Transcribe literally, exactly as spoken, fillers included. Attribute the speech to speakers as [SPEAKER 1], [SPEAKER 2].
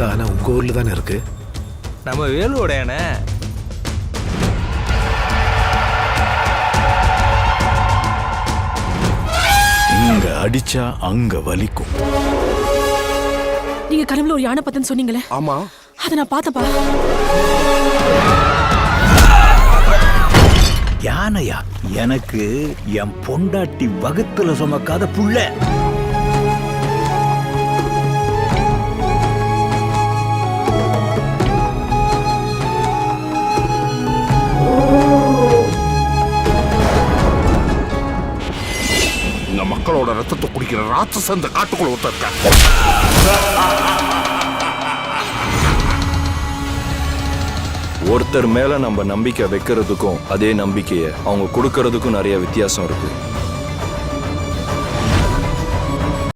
[SPEAKER 1] இந்த ஆனா உங்க ஊர்ல தானே இருக்கு.
[SPEAKER 2] நம்ம வேலுவோட யானை.
[SPEAKER 3] இங்க அடிச்சா அங்க வலிக்கும்.
[SPEAKER 4] நீங்க கனவுல ஒரு யானை பத்தன்னு சொன்னீங்களே?
[SPEAKER 5] ஆமா,
[SPEAKER 4] அதை நான் பார்த்தப்பா.
[SPEAKER 3] யானையா? எனக்கு என் பொண்டாட்டி வகுத்துல சுமக்காத புள்ள.
[SPEAKER 5] இந்த மக்களோட ரத்தத்தை குடிக்கிற ராட்சச இந்த காட்டுக்குள்ள ஒருத்தர் இருக்கான்.
[SPEAKER 6] ஒருத்தர் மேல நம்ம நம்பிக்கை வைக்கிறதுக்கும் அதே நம்பிக்கையை அவங்க கொடுக்கறதுக்கும் நிறைய வித்தியாசம் இருக்கு.